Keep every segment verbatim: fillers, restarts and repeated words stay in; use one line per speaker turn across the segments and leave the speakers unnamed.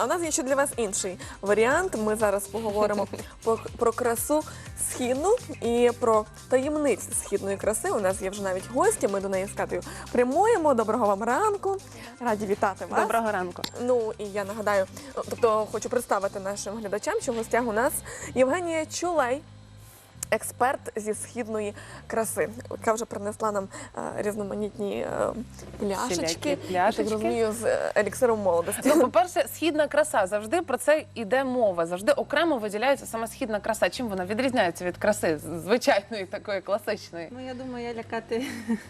в нас є ще для вас інший варіант. Ми зараз поговоримо про, про красу східну і про таємниці східної краси. У нас є вже навіть гості, ми до неї з Катею прямуємо. Доброго вам ранку, раді вітати вас.
Доброго ранку.
Ну і я нагадаю, тобто хочу представити нашим глядачам, що в гостях у нас Євгенія Чулей, експерт зі східної краси, яка вже принесла нам е, різноманітні е, пляшечки,
Всілякі
я
пляшечки.
так розумію, з е, еліксиром молодості.
Ну, по-перше, східна краса. Завжди про це йде мова. Завжди окремо виділяється саме східна краса. Чим вона відрізняється від краси звичайної, такої класичної?
Ну, я думаю, я лякати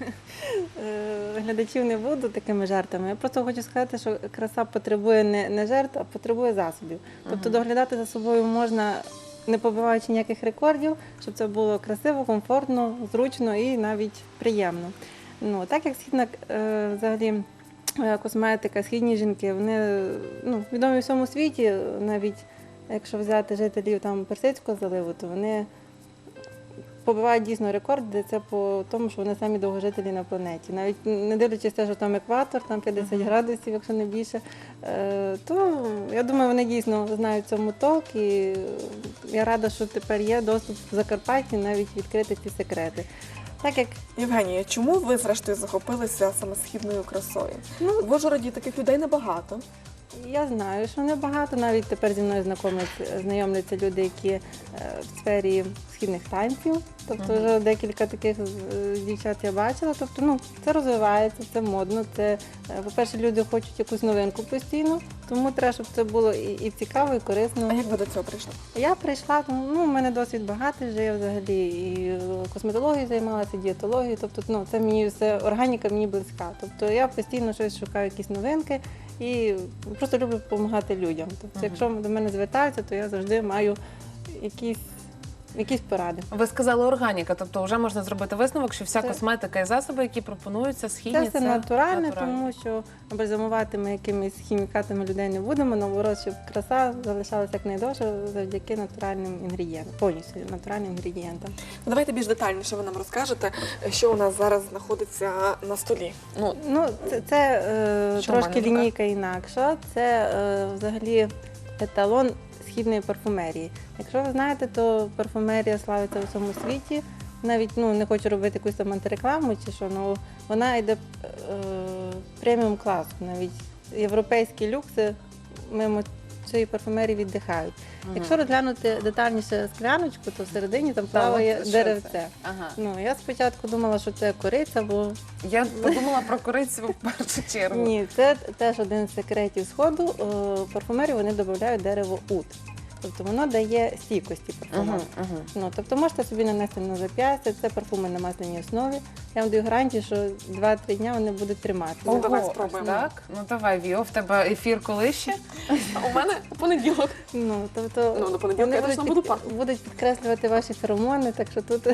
е, глядачів не буду такими жартами. Я просто хочу сказати, що краса потребує не, не жертв, а потребує засобів. Тобто доглядати за собою можна, не побиваючи ніяких рекордів, щоб це було красиво, комфортно, зручно і навіть приємно. Ну, так як східна е, взагалі е, косметика, східні жінки, вони ну, відомі в всьому світі, навіть якщо взяти жителів там Персидського заливу, то вони побивають дійсно рекорди, це по тому, що вони самі довгожителі на планеті. Навіть не дивлячись те, що там екватор, там п'ятдесят градусів, якщо не більше, е, то я думаю, вони дійсно знають в цьому толк, і я рада, що тепер є доступ в Закарпатті навіть відкрити ці секрети. Так як
Євгенія, чому ви зрештою захопилися саме східною красою?
Ну,
В Ужгороді таких людей небагато.
я знаю, що небагато, навіть тепер зі мною знайомляться, знайомляться люди, які е, в сфері східних танців. Тобто вже декілька таких е, дівчат я бачила. Тобто, ну, це розвивається, це модно. Це, е, по-перше, люди хочуть якусь новинку постійно, тому треба, щоб це було і, і цікаво, і корисно.
А як ви до цього прийшли?
Я прийшла, ну, в мене досвід багатий вже, я взагалі і косметологією займалася, і дієтологією, тобто, ну, це мені все, органіка мені близька. Тобто я постійно щось шукаю, якісь новинки і просто люблю допомагати людям. Тобто, якщо до мене звертаються, то я завжди маю якісь, якісь поради.
Ви сказали органіка, тобто вже можна зробити висновок, що вся
Це-
косметика і засоби, які пропонуються, східні,
Це все натуральне, тому що бальзамувати ми якимись хімікатами людей не будемо, наоборот, щоб краса залишалася якнайдовше завдяки натуральним інгредієнтам, повністю натуральним інгредієнтам.
Ну, давайте більш детальніше ви нам розкажете, що у нас зараз знаходиться на столі. Ну,
Ну, це, це е,
Що в
трошки
мене в руках?
лінійка інакша, це е, взагалі еталон східної парфумерії. Якщо ви знаєте, то парфумерія славиться у всьому світі. Навіть ну, не хочу робити якусь там антирекламу чи що, але вона йде е, преміум класу. Навіть європейські люкси мимо цієї парфумерії віддихають. Якщо розглянути детальніше скляночку, то всередині там плаває
от що
деревце.
це? Ага.
Ну, я спочатку думала, що це кориця, бо
Я подумала про корицю в першу чергу.
ні, це теж один з секретів сходу. Е, В парфумерію вони додають дерево ут. Тобто воно дає стійкості парфуму.
Угу, угу.
Ну, тобто можете собі нанести на зап'ястя, це парфуми на масляній основі. Я вам даю гарантію, що два-три дні вони будуть триматися.
Ну, давай
Ого,
спробуємо.
Так? Ну давай, Віо, в тебе ефір коли ще?
а у мене понеділок.
Ну, тобто
Ну, до понеділка
вони
я
будуть,
точно буду
під-
пахнути.
будуть підкреслювати ваші феромони, так що тут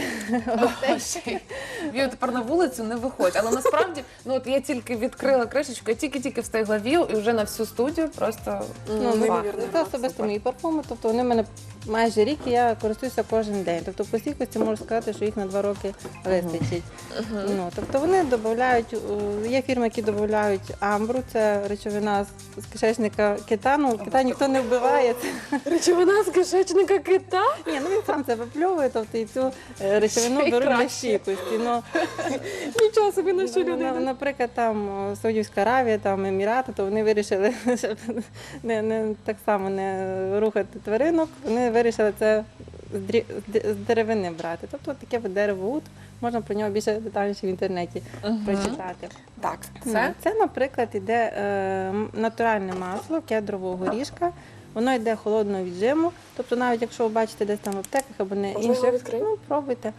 гостей.
Віо, тепер на вулицю не виходь. Але насправді, ну от я тільки відкрила кришечку, я тільки-тільки встигла Віо, і вже на всю студію просто
Ну,
Ну,
ну,
неймовірно,
це
аромат,
особисто
супер.
мої парфуми, тобто вони в мене майже рік, і я користуюся кожен день. Тобто по стійкості можу сказати, що їх на два роки вистачить. Ну, тобто вони додають, є фірми, які додають амбру, це речовина з- з кишечника кита. Ну, кита ніхто не вбиває. Це-
Речовина з кишечника кита?
Ні, ну він сам це випльовує, тобто і цю е, речовину
Ще й
беруть для
краще.
стійкості. Ну,
Нічого собі, на що
Ну,
люди
на-
йдуть.
Наприклад, там о, Саудівська Аравія, там Емірати, то вони вирішили щоб не, не так само не рухати тваринок. Вони вирішили це з дрі- з д- з деревини брати. Тобто таке от дерево ут, можна про нього більше детальніше в інтернеті прочитати.
Так,
Це,
Це?
це наприклад, іде е, м- натуральне масло кедрового горішка. Воно йде холодного віджиму. Тобто, навіть якщо ви бачите десь там в аптеках або не
Можна його
інших,
відкрити?
ну пробуйте.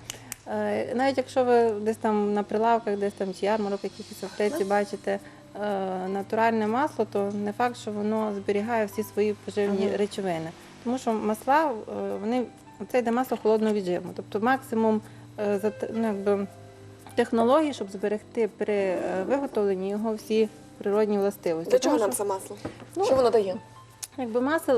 Е, Навіть якщо ви десь там на прилавках, десь там чи ярмарок, якісь аптеці бачите е, натуральне масло, то не факт, що воно зберігає всі свої поживні
Ага.
речовини. Тому що масла, е, вони, це йде масло холодного віджиму. Тобто максимум е, зат- ну, якби, технологій, щоб зберегти при е, виготовленні його всі природні властивості.
для чого
Тому
нам
що,
це масло?
Ну,
Що воно дає?
Якби масел,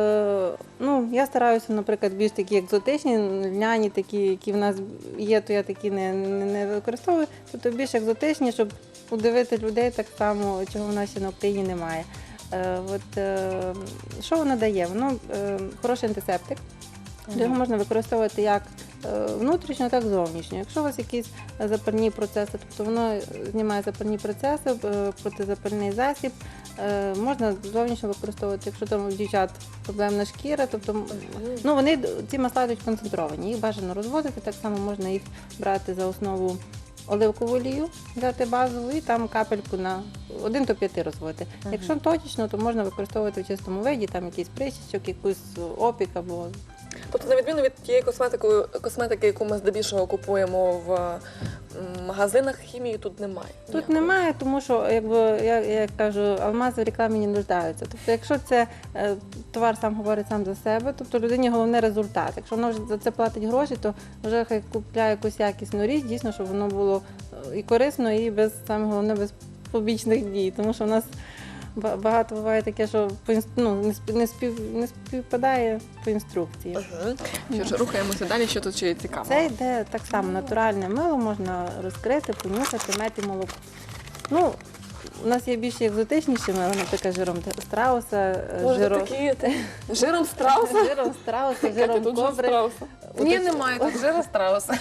е, ну я стараюся, наприклад, більш такі екзотичні, льняні, такі, які в нас є, то я такі не, не, не використовую. Тобто більш екзотичні, щоб удивити людей так само, чого в нас ще на Україні немає. Е, От, е, що воно дає? Воно е, хороший антисептик. Його можна використовувати як е, внутрішньо, так і зовнішньо. Якщо у вас якісь запальні процеси, тобто воно знімає запальні процеси, е, протизапальний засіб, е, можна зовнішньо використовувати, якщо там у дівчат проблемна шкіра, тобто ну, вони ці масла йдуть концентровані, їх бажано розводити, так само можна їх брати за основу оливкову олію, взяти базову і там капельку на один до п'яти розводити.
Мгм.
Якщо точечно, то можна використовувати в чистому виді, там якийсь причічок, якийсь опік або
Тобто, на відміну від тієї косметики, косметики, яку ми здебільшого купуємо в м, магазинах, хімії тут немає.
тут
ніякої.
немає, тому що, якби я, я кажу, алмази в рекламі не нуждаються. Тобто, якщо це е, товар сам говорить сам за себе, тобто людині головне результат. Якщо вона вже за це платить гроші, то вже хай купляє якусь якісну річ, дійсно, щоб воно було е, і корисно, і без саме головне без побічних дій. Тому що в нас ба- багато буває таке, що по інс- ну, не, спів, не, спів, не співпадає по інструкції.
Ага. Що ж, рухаємося далі, що тут ще є цікаво.
Це йде так само натуральне мило, можна розкрити, понюхати, мед і молоко. Ну, у нас є більш екзотичніші мило, наприклад, жиром страуса, е,
Може,
жиром,
такі жиром страуса?
жиром страуса,
Катя,
жиром
тут жир
кобри.
страуса.
Ні,
Уточ-
немає тут жира страуса.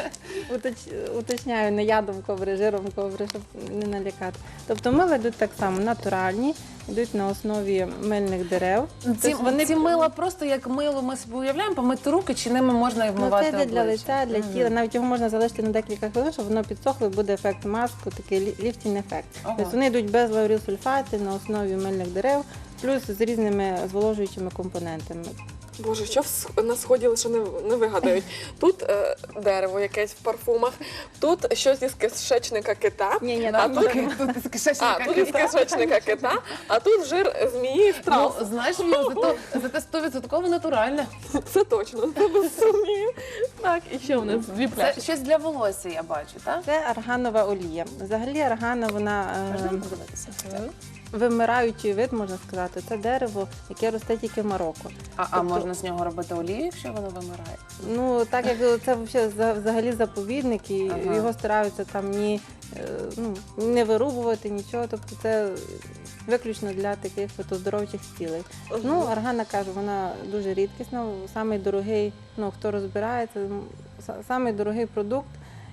Уточ- Уточняю, не ядом кобри, жиром кобри, щоб не налякати. Тобто мила йдуть так само натуральні, йдуть на основі мильних дерев.
Ці,
Тобто вони-
ці мила просто як мило ми собі уявляємо, помити руки, чи ними можна і
Ну,
вмивати
це йде для
обличчя?
лиця, для
Мгм.
тіла. Навіть його можна залишити на декілька хвилин, щоб воно підсохло, і буде ефект маску, такий лі- ліфтінг ефект.
Ага.
Тобто вони йдуть без лаурілсульфати на основі мильних дерев, плюс з різними зволожуючими компонентами.
Боже, що в с- на сході лише не, не вигадають. Тут е, дерево якесь в парфумах, тут щось із кишечника кита,
Ні, ні,
а
там
тут,
нічого
Тут із кишечника
а, тут із
кита.
кишечника кита, а тут жир змії і
Ну,
страуса.
знаєш, Віо, зато, зате сто відсотків натуральне.
Це точно, це без сумнівів. Так, і ще у нас дві
Це
пляшки.
щось для волосся, я бачу, так?
Це арганова олія. Взагалі аргана, вона е,
Можна подивитися?
вимираючий вид, можна сказати. Це дерево, яке росте тільки в Марокко.
А, а
Тобто-
можна з нього робити олію, якщо воно вимирає?
Ну, так як це вообще за- взагалі заповідник, і
Ага.
його стараються там ні, е, ну, не вирубувати, нічого. Тобто це виключно для таких от оздоровчих цілей. Ну, аргана, кажу, вона дуже рідкісна, самий дорогий, ну, хто розбирається, м, са- самий дорогий продукт.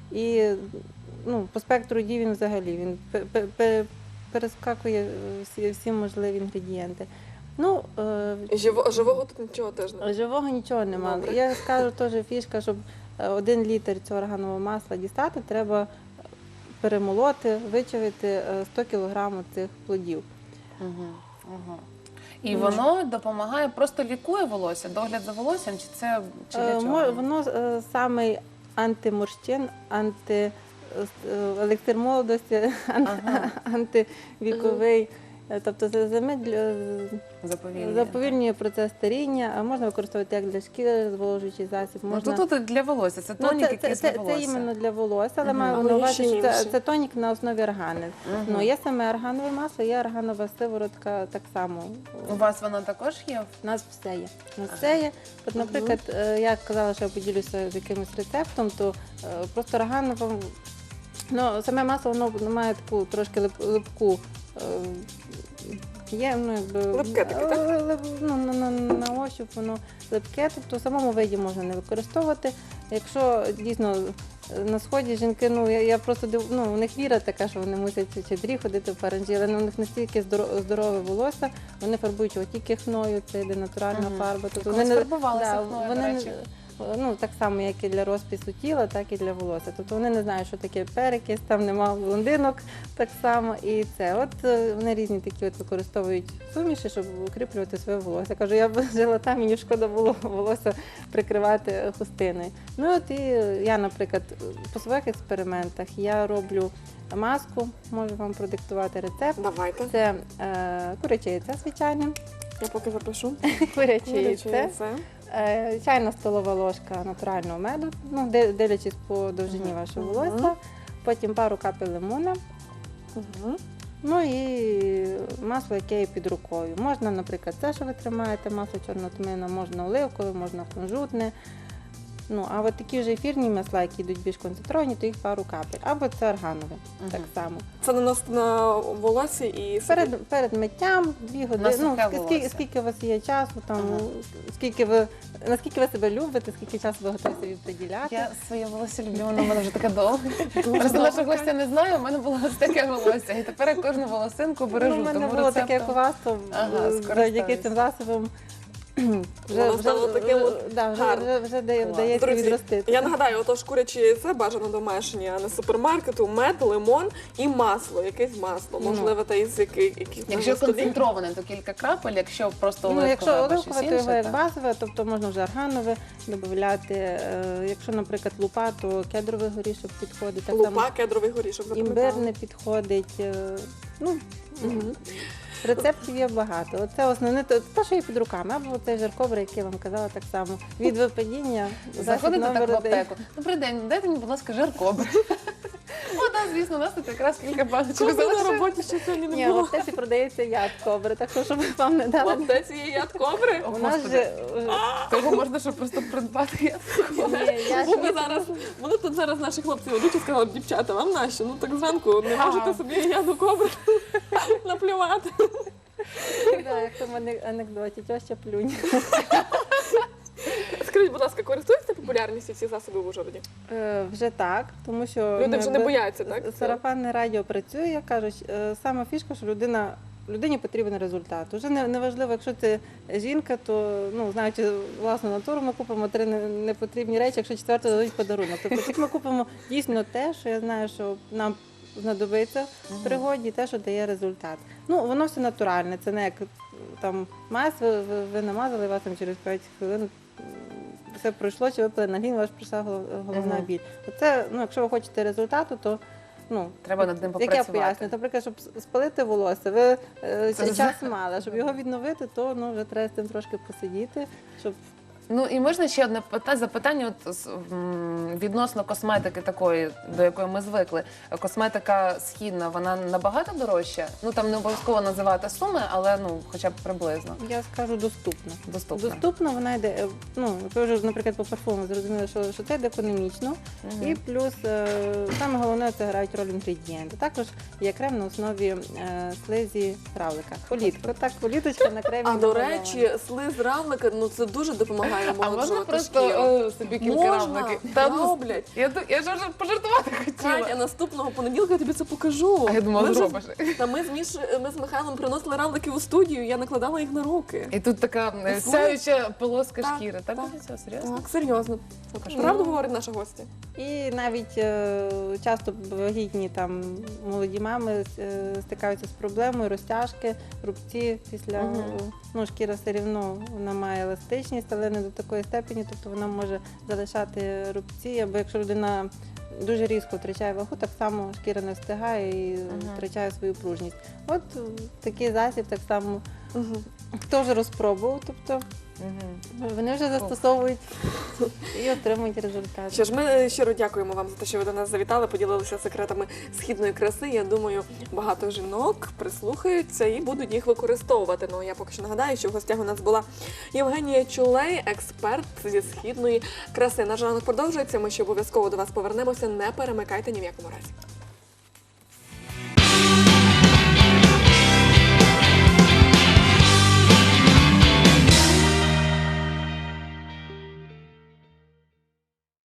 І ну, по спектру дій він взагалі він пе- пе- пе- перескакує всі, всі можливі інгредієнти. Ну, е,
Живо, живого тут нічого теж немає.
живого нічого немає.
Добре.
Я скажу теж фішка, щоб е, один літр цього органового масла дістати, треба перемолоти, вичавити е, сто кілограмів цих плодів.
Угу. Угу. І воно допомагає, просто лікує волосся, догляд за волоссям, чи це чи для
Е,
чого?
мо- Воно е, самий антиморщин, анти е, електр молодості, ан-
Ага.
антивіковий. Е, Тобто це замедлює,
Заповільнює.
заповільнює процес старіння, а можна використовувати як для шкіри, зволожуючий засіб.
Ну,
Можна...
то тут для волосся, це
Ну,
тонік,
це,
який
це, це,
для волосся.
це іменно для волосся, але
Мгм.
маю
Але
на
є
увазі,
ще
що це,
інші.
це тонік на основі органи.
Мгм.
Ну, є саме органове масло, є органова сиворотка так само.
У вас воно також є?
У нас все є. У нас все є. От, наприклад, е, я казала, що я поділюся з якимось рецептом, то е, просто органова, ну, саме масло воно має таку трошки лип- липку. е, Є, ну, якби,
Липке таке, так?
е, лип- ну, на, на, на ощуп воно липке, тобто в самому виді можна не використовувати. Якщо дійсно е, на сході жінки, ну я, я просто див, ну, у них віра така, що вони мусять в чадрі ходити в паранджі, але ну, у них настільки здоро- здорове волосся, вони фарбують його тільки хною, це йде натуральна
Мгм.
фарба. Тобто
Колись
не-
фарбувалися хною, до
вони не-
речі.
ну, так само, як і для розпису тіла, так і для волосся. Тобто вони не знають, що таке перекис, там нема блондинок так само. І це. От е, вони різні такі от використовують суміші, щоб укріплювати своє волосся. Я кажу, я б жила там, мені шкода було волосся прикривати хустиною. Ну от і я, наприклад, по своїх експериментах я роблю маску, можу вам продиктувати рецепт.
Давайте.
Це е, куряче яйце, звичайне,
Я поки запишу.
куряче
Куряче
яйце.
яйце.
Е, Чайна столова ложка натурального меду, ну, де- дивлячись по довжині
Мгм.
вашого
Мгм.
волосся, потім пару капель лимона,
Мгм.
ну і масло, яке є під рукою. Можна, наприклад, це, що ви тримаєте, масло чорного тмина, можна оливкове, можна кунжутне. Ну, а от такі вже ефірні масла, які йдуть більш концентровані, то їх пару капель. Або це органове,
Мгм.
так само.
Це наносити на волосся і
Перед, перед миттям, дві години, ну,
сухе
ски- скільки,
волосся.
скільки у вас є часу, там,
Ага.
скільки ви, наскільки ви себе любите, скільки часу ви готові собі приділяти.
Я своє волосся люблю, воно в мене вже таке довге. Просто наша гостя не знає, у мене було ось таке волосся. І тепер я кожну волосинку бережу.
Ну, у мене
тому
було таке, як у
рецептом-
вас, то
Ага,
е, завдяки
скористаюсь.
цим засобам
Воно стало таким от
да, вже,
гарним.
вже, вже дає-
Клас.
вдається
Друзі,
відростити.
я нагадаю, отож курячі яйце бажано домашнє, а не з супермаркету, мед, лимон і масло, якесь масло,
Ну.
можливо, та із яких яких
Якщо
на столі.
концентроване, то кілька крапель, якщо просто
Ну,
оливкове
якщо
або щось
оливкове, то його
інше,
як
то-
базове, тобто можна вже органове додати. Е, Якщо, наприклад, лупа, то кедровий горішок підходить. Так
Лупа, кедровий горішок,
само
запам'ятала.
імбир не підходить. е, Ну,
Мгм.
рецептів є багато. Оце основне, то- те, що є під руками, або цей жаркобр, який я вам казала так само. Від випадіння засіб
Заходите так
номер
в
один.
аптеку. Добрий день, дайте мені, будь ласка, жаркобр. О, так, звісно, у нас тут якраз кілька баночок
Коли на
залишилось.
роботі ще сьогодні
Ні,
не
в
було.
аптеці продається яд кобри, так що, щоб вам не
В
дали.
аптеці є яд кобри?
О,
У нас
Господи.
же е,
Того можна, щоб просто придбати.
ні, я
Вони
ж
зараз, вони тут зараз наші хлопці ведуть і сказали, дівчата, вам нащо? Ну так зранку не
Ага.
можете собі яду кобри наплювати.
да, як в мене анекдоті, тьоща плюнь.
Скажіть, будь ласка, користуються популярністю ці засоби в Ужгороді?
Е, Вже так, тому що
Люди
ну,
вже не
якби,
бояться, так?
Сарафанне радіо працює, як кажуть, е, сама фішка, що людина. Людині потрібен результат. Уже не, не важливо, якщо це жінка, то ну знаючи власну натуру, ми купимо три не- непотрібні речі, якщо четверто дадуть подарунок. Тобто, як ми купимо дійсно те, що я знаю, що нам знадобиться в пригоді, те, що дає результат. Ну воно все натуральне. Це не як там мазь, ви, ви, ви намазали, вас там через п'ять хвилин м, все пройшло, чи випили на лін, у вас прийшла голов- головна
Мгм.
біль. Оце, ну, якщо ви хочете результату, то ну
Треба над ним
як я
попрацювати.
поясню, наприклад, щоб с- спалити волосся, ви е,
Це
час
за-
мали, щоб його відновити, то ну вже треба з цим трошки посидіти, щоб
Ну і можна ще одне пита- запитання от, з- м, відносно косметики такої, до якої ми звикли. Косметика східна, вона набагато дорожча? Ну там не обов'язково називати суми, але ну хоча б приблизно
я скажу доступно.
доступно.
Доступно вона йде. е, Ну ви вже, наприклад, по парфуму зрозуміли, що, що це йде економічно,
Мгм.
і плюс е, саме головне це грають роль інгредієнти. Також є крем на основі е, слизі равлика. Політка, так, політочка на кремі.
А до
намальована.
речі, слиз равлика, ну це дуже допомагає
А можна
омолоджувати
просто
шкіру.
е, собі кілька
Можна,
равликів? Та ну,
роблять.
я, ду- я ж вже пожартувати хотіла.
Катя, наступного понеділка я тобі це покажу.
А я думала,
Ми вже-
зробиш.
Та ми з Міш, ми з Михайлом приносили равлики у студію, я накладала їх на руки.
І тут така е,
Слухай.
сяюча полоска
Так,
шкіри. Так,
так.
буде це серйозно?
Так, серйозно.
Покажи.
Правду говорить наша гостя?
І навіть е, часто вагітні там молоді мами е, стикаються з проблемою розтяжки, рубці після
Мгм.
е, ну, шкіра все рівно вона має еластичність, але не до такої степені, тобто вона може залишати рубці, або якщо людина дуже різко втрачає вагу, так само шкіра не встигає і
Мгм.
втрачає свою пружність. От е, такий засіб так само
Угу.
хто вже розпробував, тобто
Мгм.
вони вже застосовують і отримують результат.
Що ж, ми щиро дякуємо вам за те, що ви до нас завітали, поділилися секретами східної краси. Я думаю, багато жінок прислухаються і будуть їх використовувати. Ну я поки що нагадаю, що в гостях у нас була Євгенія Чулей, експерт зі східної краси. Наш ранок продовжується. Ми ще обов'язково до вас повернемося. Не перемикайте ні в якому разі.